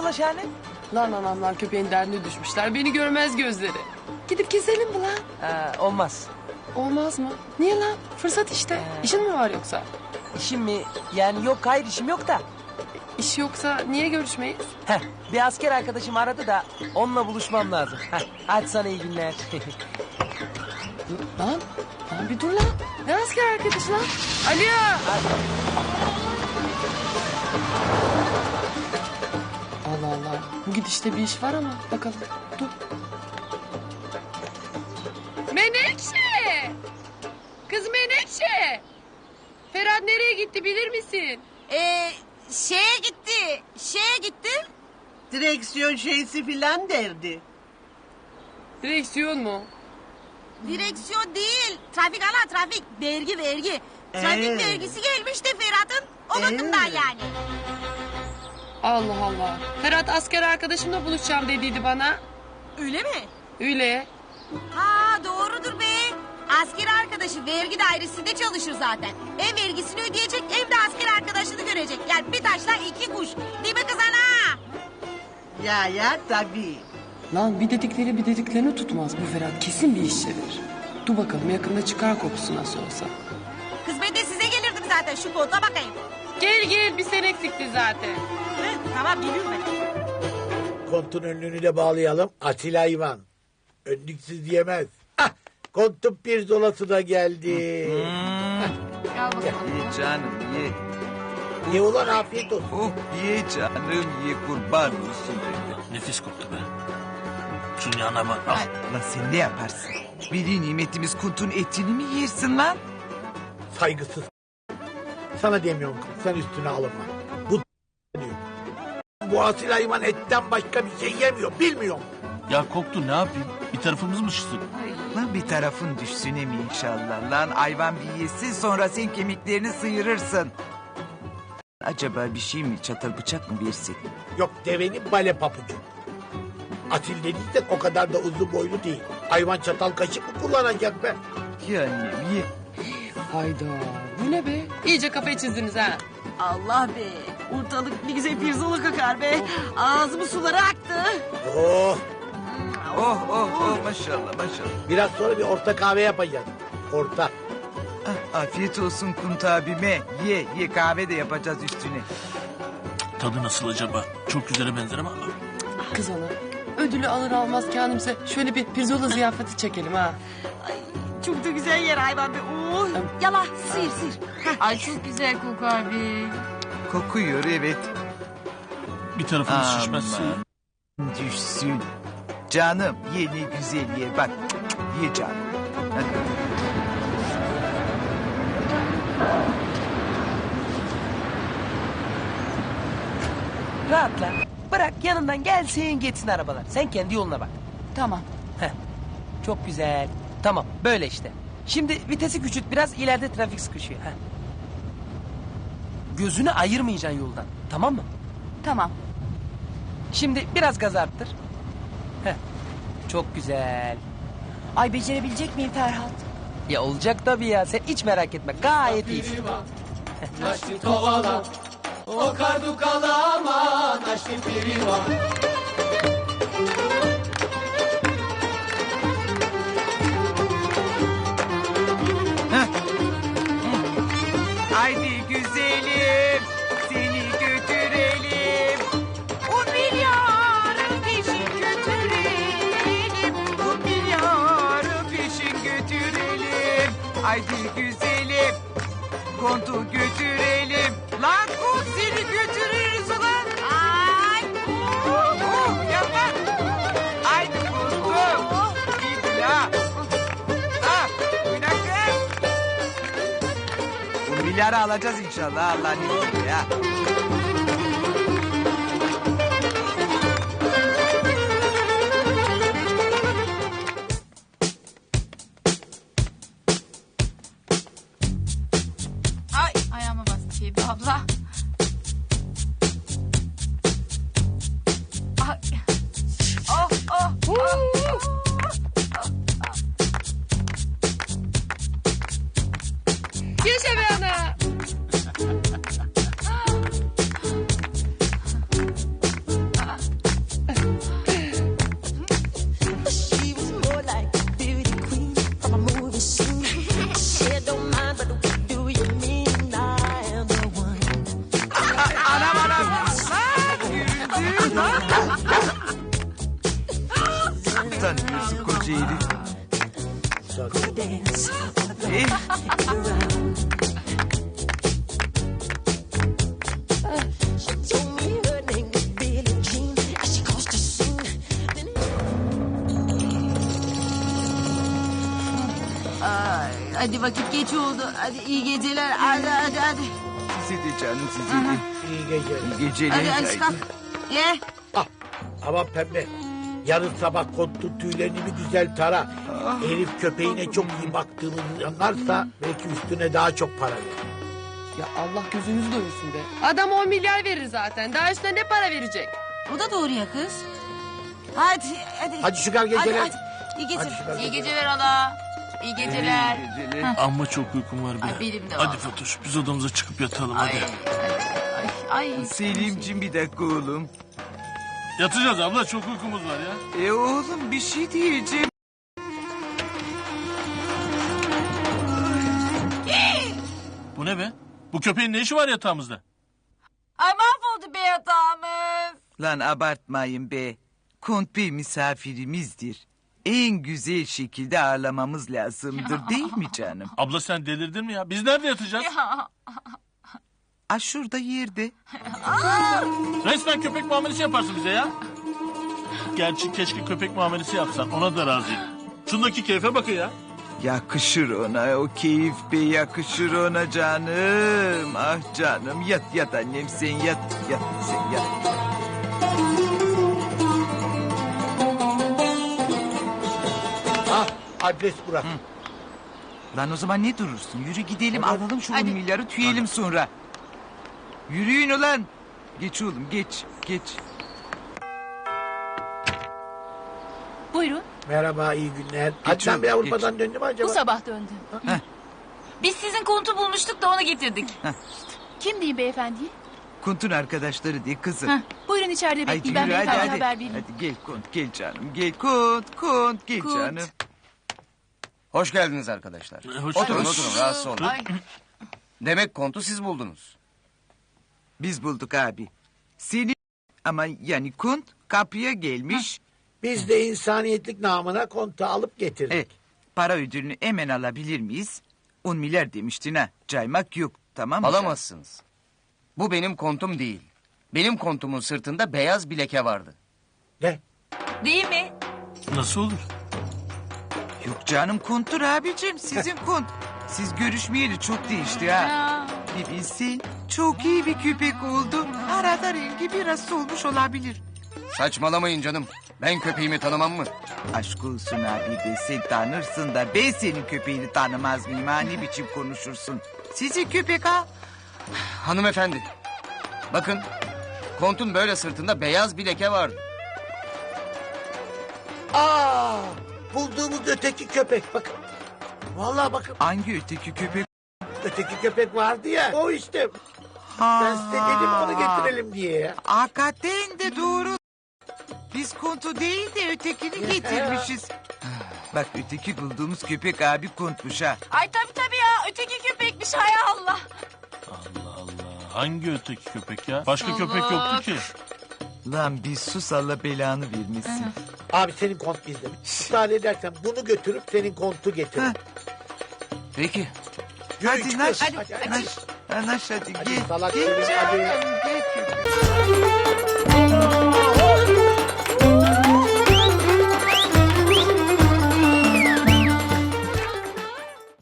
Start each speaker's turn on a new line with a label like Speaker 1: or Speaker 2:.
Speaker 1: ola Şahane?
Speaker 2: Lan anamlar köpeğin derdine düşmüşler. Beni görmez gözleri. Gidip keselim mi lan?
Speaker 1: Olmaz.
Speaker 2: Olmaz mı? Niye lan? Fırsat işte. İşin mi var yoksa?
Speaker 1: İşim mi? Yani yok, hayır işim yok da.
Speaker 2: İş yoksa niye görüşmeyiz?
Speaker 1: Bir asker arkadaşım aradı da onunla buluşmam lazım. Hadi sana iyi günler.
Speaker 2: Lan bir dur lan. Ne asker arkadaş lan? Alo. Allah Allah. Bu gidişte bir iş var ama bakalım. Dur. Menekşe! Kız Menekşe! Ferhat nereye gitti bilir misin?
Speaker 3: Şeye gitti.
Speaker 4: Direksiyon şeysi filan derdi.
Speaker 2: Direksiyon mu?
Speaker 3: Direksiyon değil. Trafik ana trafik. Vergi. Trafik vergisi gelmiş de Ferhat'ın o bakımdan yani.
Speaker 2: Allah Allah. Ferhat asker arkadaşımla buluşacağım dediydi bana.
Speaker 3: Öyle mi?
Speaker 2: Öyle.
Speaker 3: Ha doğrudur be. Asker arkadaşı vergi dairesinde çalışır zaten. Hem vergisini ödeyecek hem de asker arkadaşını görecek. Yani bir taşla iki kuş. Değil mi kız ana?
Speaker 4: Ya tabii.
Speaker 2: Lan bir dediklerini tutmaz bu Ferhat. Kesin bir iş çevirir. Dur bakalım yakında çıkar kokusu nasıl olsa.
Speaker 3: Kız ben de size gelirdim zaten şu koltuğa bakayım.
Speaker 2: Gel bir sen eksikti zaten.
Speaker 3: Tamam geliyorum ben.
Speaker 5: Kontun önlüğünü de bağlayalım. Asil hayvan. Önlüksüz diyemez. Kontun pirzolası da geldi.
Speaker 2: Gel bakalım.
Speaker 6: Ye canım ye.
Speaker 5: Ye ulan afiyet olsun.
Speaker 6: Oh ye canım ye kurban olsun dedi.
Speaker 7: Nefis koktu be. Şunun yanına bak. Al.
Speaker 6: Lan sen ne yaparsın? Veli nimetimiz kuntun etini mi yersin lan?
Speaker 5: Saygısız. Sana demiyorum kız. Sen üstüne alınma. Bu diyor. Bu asil hayvan etten başka bir şey yemiyor. Bilmiyorum.
Speaker 7: Ya koktu ne yapayım? Bir tarafımız mı şişsin?
Speaker 6: Lan bir tarafın düşsün mi inşallah lan. Hayvan bir yesin sonra sen kemiklerini sıyırırsın. Acaba bir şey mi çatal bıçak mı versek?
Speaker 5: Yok devenin bale papucu. Asil dediysek o kadar da uzun boylu değil. Hayvan çatal kaşık mı kullanacak be?
Speaker 6: Ye annem ye.
Speaker 2: Hayda. Bu ne be? İyice kafayı çizdiniz ha.
Speaker 3: Allah be. Ortalık bir güzel pirzola kakar be. Ağzımın suları aktı.
Speaker 5: Oh.
Speaker 6: Oh maşallah.
Speaker 5: Biraz sonra bir orta kahve yapacağız. Orta.
Speaker 6: Afiyet olsun Kunt abime. Ye kahve de yapacağız üstüne.
Speaker 7: Tadı nasıl acaba? Çok güzele benzer ama.
Speaker 2: Kız ana. Ödülü alır almaz kendimize şöyle bir pirzola ziyafeti çekelim ha.
Speaker 3: Ay, çok da güzel yer hayvan be. Oh. Yala sıyır.
Speaker 8: Ay çok güzel kokar be.
Speaker 6: Kokuyor evet.
Speaker 7: Bir tarafımız şişmezse.
Speaker 6: Düşsün. Canım ye ne güzel ye bak. Ye canım. Hadi.
Speaker 1: Rahatla. Bırak yanından gelsin geçsin arabalar. Sen kendi yoluna bak.
Speaker 3: Tamam.
Speaker 1: Çok güzel. Tamam böyle işte. Şimdi vitesi küçült biraz ileride trafik sıkışıyor. Gözünü ayırmayacaksın yoldan. Tamam mı?
Speaker 3: Tamam.
Speaker 1: Şimdi biraz gaz arttır. Çok güzel.
Speaker 3: Ay becerebilecek miyim Ferhat?
Speaker 1: Ya olacak tabii ya. Sen hiç merak etme. Gayet iyi.
Speaker 6: Haydi güzelim seni götürelim. O milyarı peşin götürelim. O milyarı peşin götürelim. Haydi güzelim kontu götürelim. Lan kont seni götürürüz ulan.
Speaker 3: Ay.
Speaker 6: Yapma. Haydi kontum. İyi ha. Bu milyarı alacağız inşallah Allah'ın izniyle ya.
Speaker 8: Ay ayağıma bastı Feybe abla. Ay.
Speaker 2: Yaşa be ana.
Speaker 3: Hadi vakit geç oldu. Hadi iyi geceler. Hadi.
Speaker 6: Size de canım size de.
Speaker 5: İyi geceler.
Speaker 6: İyi geceler.
Speaker 3: Hadi kalk. Ye.
Speaker 5: Ah, ama pembe. Yarın sabah kontun tüylerini bir güzel tara. Elif köpeğine çok iyi baktığımızı anlarsa belki üstüne daha çok para verir.
Speaker 2: Ya Allah gözünüzü doyursun be. Adam 10 milyar verir zaten. Daha üstüne ne para verecek?
Speaker 3: O da doğru ya kız. Hadi.
Speaker 5: Hadi çıkar geceler.
Speaker 3: Hadi. İyi
Speaker 5: Hadi
Speaker 3: geceler.
Speaker 5: çıkar
Speaker 8: İyi
Speaker 5: geceler.
Speaker 8: geceler hala. İyi geceler.
Speaker 6: İyi geceler.
Speaker 7: Amma çok uykum var be.
Speaker 8: Ay, benim de
Speaker 7: Hadi
Speaker 8: vallahi.
Speaker 7: Fatoş biz odamıza çıkıp yatalım
Speaker 8: Ay,
Speaker 7: hadi.
Speaker 8: ay.
Speaker 6: Selimciğim bir dakika oğlum.
Speaker 7: Yatacağız abla çok uykumuz var ya.
Speaker 6: Oğlum bir şey diyeceğim.
Speaker 7: Bu ne be? Bu köpeğin ne işi var yatağımızda?
Speaker 8: Ay mahvoldu be yatağımız.
Speaker 6: Lan abartmayın be. Kont Bey misafirimizdir. En güzel şekilde ağırlamamız lazımdır değil mi canım?
Speaker 7: Abla sen delirdin mi ya? Biz nerede yatacağız?
Speaker 6: Ah şurada yerde.
Speaker 7: Resmen köpek muamelesi yaparsın bize ya. Gerçi keşke köpek muamelesi yapsan ona da razıyım. Şundaki keyfe bakın ya.
Speaker 6: Yakışır ona o keyif be yakışır ona canım. Ah canım yat annem sen yat sen yat.
Speaker 5: Ah, adres burası.
Speaker 6: Lan o zaman ne durursun? Yürü gidelim
Speaker 5: Hadi.
Speaker 6: alalım şu 10
Speaker 8: Hadi.
Speaker 6: milyarı tüyelim sonra. Yürüyün ulan. Geç oğlum geç.
Speaker 9: Buyurun.
Speaker 5: Merhaba, iyi günler. Adnan Bey
Speaker 6: oğlum,
Speaker 5: Avrupa'dan döndü mü acaba?
Speaker 9: Bu sabah döndüm.
Speaker 8: Biz sizin kontu bulmuştuk da onu getirdik.
Speaker 9: Kim diyeyim beyefendi?
Speaker 6: Kuntun arkadaşları diye kızım.
Speaker 9: Heh, buyurun içeride
Speaker 6: Haydi
Speaker 9: bekleyin. Ben
Speaker 6: yürü hadi
Speaker 9: beyefendiye
Speaker 6: hadi.
Speaker 9: haber vereyim.
Speaker 6: Hadi gel Kunt gel canım. Gel Kunt gel
Speaker 8: Kunt.
Speaker 6: canım.
Speaker 10: Hoş geldiniz arkadaşlar.
Speaker 7: Hoş
Speaker 10: Oturun
Speaker 7: geldin.
Speaker 10: oturun rahatsız olun.
Speaker 8: Ay.
Speaker 10: Demek kontu siz buldunuz.
Speaker 6: Biz bulduk abi. Seni ama yani Kunt kapıya gelmiş.
Speaker 5: Biz de insaniyetlik namına kontu alıp getirdik.
Speaker 6: Evet. Para ödülünü hemen alabilir miyiz? 10 milyar demiştin ha. Caymak yok tamam mı?
Speaker 10: Alamazsınız. Bu benim kontum değil. Benim kontumun sırtında beyaz bir leke vardı.
Speaker 5: Ne?
Speaker 8: Değil mi?
Speaker 7: Nasıl olur?
Speaker 6: Yok canım Kunt'tur abicim sizin Kunt. Siz görüşmeyeli çok değişti ha.
Speaker 8: Ya.
Speaker 6: Bir bilsin çok iyi bir köpek oldu. Arada rengi biraz solmuş olabilir.
Speaker 10: Saçmalamayın canım. Ben köpeğimi tanımam mı?
Speaker 6: Aşk olsun abi be sen tanırsın da ben senin köpeğini tanımaz mıyım ha ne biçim konuşursun. Sizin köpek ha.
Speaker 10: Hanımefendi. Bakın. Kontun böyle sırtında beyaz bir leke vardı.
Speaker 5: Aa, bulduğumuz öteki köpek bakın. Vallahi bakın
Speaker 6: Hangi öteki köpek?
Speaker 5: öteki köpek vardı ya. O işte.
Speaker 6: Ha.
Speaker 5: Ben size dedim onu getirelim diye ya.
Speaker 6: Hakikaten de doğru. Biz kontu değil de ötekini getirmişiz. Bak öteki bulduğumuz köpek abi kontmuş ha.
Speaker 8: Ay tabii ya. Öteki köpekmiş hay Allah.
Speaker 7: Allah Allah. Hangi öteki köpek ya? Başka köpek yoktu ki.
Speaker 6: Lan bir sus Allah belanı vermesin.
Speaker 5: Abi senin kont bizde. Müsaade edersen bunu götürüp senin kontu getir.
Speaker 6: Ha.
Speaker 10: Peki.
Speaker 5: Yürü,
Speaker 6: Hadi
Speaker 5: çıkıyoruz.
Speaker 6: Naş.
Speaker 5: Hadi.
Speaker 6: Naş. Naş hadi
Speaker 5: Hadi
Speaker 6: gel.
Speaker 5: salak
Speaker 6: Gel
Speaker 5: Selim,
Speaker 6: canım,
Speaker 5: hadi.
Speaker 6: gel köpek.